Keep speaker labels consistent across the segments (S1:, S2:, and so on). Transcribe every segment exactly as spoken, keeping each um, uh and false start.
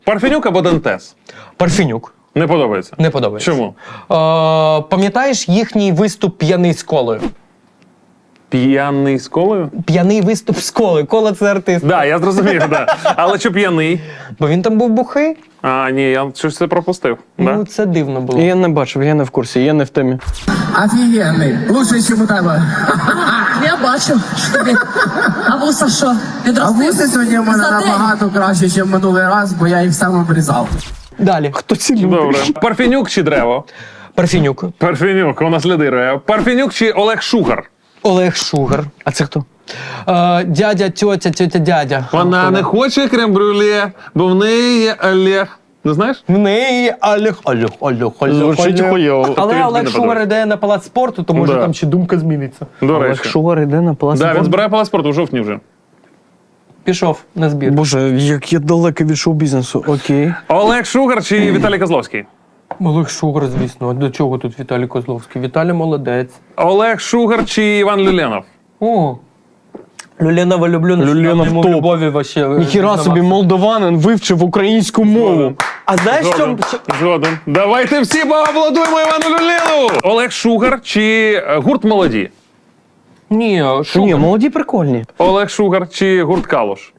S1: Парфенюк або Дантес?
S2: Парфенюк.
S1: Не подобається?
S2: Не подобається.
S1: Чому?
S2: Е, пам'ятаєш їхній виступ «П'яний з колою»?
S1: П'яний з колою?
S2: П'яний виступ з колою. Кола – це артист.
S1: Да, я зрозумів, да. Але що п'яний?
S2: Бо він там був бухий.
S1: А, ні, я щось це пропустив. Да?
S2: Ну, це дивно було.
S3: Я не бачив, я не в курсі, я не в темі.
S4: Офігенний. Лучше, чим у тебе.
S5: Я бачу. А вуса що?
S4: А
S5: Відростив?
S4: вуси сьогодні в мене
S5: За день?
S4: набагато краще, ніж минулий раз, бо я їх сам обрізав.
S2: Далі.
S3: Хто ці люди?
S1: Добре. Парфенюк чи Древо?
S2: Парфенюк.
S1: Парфенюк, у нас лідирує. Парфенюк чи Олег Шугар?
S2: Олег Шугар.
S3: А це хто?
S2: Е, дядя, тьотя, тьотя, дядя.
S1: Вона не хоче крем-брюле, бо в неї є Олег. Не знаєш?
S2: В неї Олег, Олег, Олег, Олег.
S3: Звучить
S2: Олег.
S3: хуйово.
S2: Але
S1: Тобі
S2: Олег
S1: не
S2: Шугар
S1: подобається?
S2: йде на палац спорту, то може
S1: Да.
S2: там ще думка зміниться.
S1: До
S3: Олег
S1: речі.
S3: Шугар іде на палац.
S1: Да, він збирає палац спорту в жовтні вже.
S2: Пішов на збір.
S3: Боже, як я далекий від шоу-бізнесу. Окей.
S1: Олег Шугар чи Віталій Козловський?
S2: Олег Шугар, звісно. А до чого тут Віталій Козловський? Віталій молодець.
S1: Олег Шугар чи Іван Люленов?
S2: О, Люленова люблю.
S3: Люленов
S2: йому
S3: топ.
S2: любові вообще.
S3: Ніхіра собі молдованин вивчив українську мову.
S2: А знаєш, що?
S1: Згоден. Згоден. Давайте всі поаплодуємо Івану Люленову! Олег Шугар чи е, гурт Молоді?
S2: Ні,
S3: Ні,
S2: Шугар.
S3: молоді прикольні.
S1: Олег Шугар чи гурт Калуш?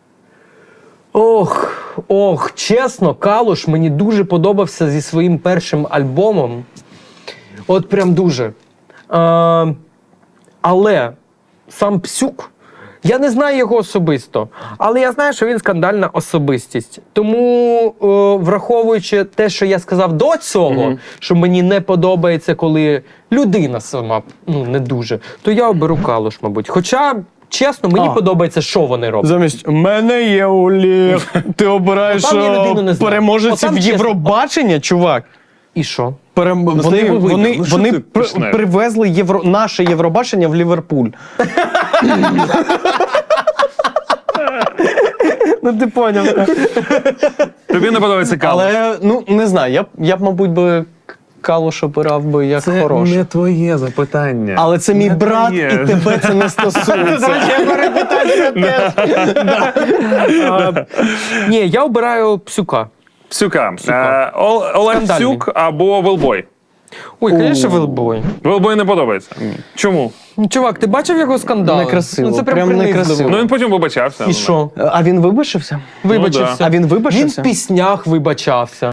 S2: Ох, ох, чесно, Калуш мені дуже подобався зі своїм першим альбомом. От прям дуже. Е, але сам Псюк, я не знаю його особисто, але я знаю, що він скандальна особистість. Тому, е, враховуючи те, що я сказав до цього,
S1: Мгм.
S2: що мені не подобається, коли людина сама ну, не дуже, то я оберу Калуш, мабуть. Хоча, чесно, мені
S3: А.
S2: подобається, що вони роблять.
S3: Замість «мене є Олег». Ти обираєш
S2: Отам я
S3: е,
S2: людину не знаю.
S3: переможеців
S2: Отам чесно.
S3: Євробачення, чувак.
S2: І що?
S3: Перем... Вони,
S1: тебе вийде.
S3: вони,
S1: Ну, що
S3: вони
S1: ти
S3: при-
S1: почнеш?
S3: привезли євро... наше Євробачення в Ліверпуль. Ну, ти поняв.
S1: Тобі не подобається Калуш?
S3: Але, ну, не знаю, я б, я б мабуть, би Калуш обирав би як хороший.
S1: твоє запитання.
S3: Але це мій
S1: Не
S3: брат,
S1: твоє.
S3: і тебе це не стосується.
S2: А, ні, я обираю Псюка.
S1: Псюка. Е, Ол- Олег
S2: Скандальний.
S1: Псюк або Велбой?
S2: Ой, звісно, Велбой.
S1: Велбой не подобається. Чому?
S2: Ну, чувак, ти бачив його скандал?
S3: Некрасиво,
S2: Ну, це прям,
S3: прям
S2: принизливо.
S3: некрасиво.
S1: Ну він потім вибачався.
S2: І що?
S3: А він вибачився?
S2: Вибачився.
S3: А він
S2: Він
S3: вибачився?
S2: в піснях вибачався.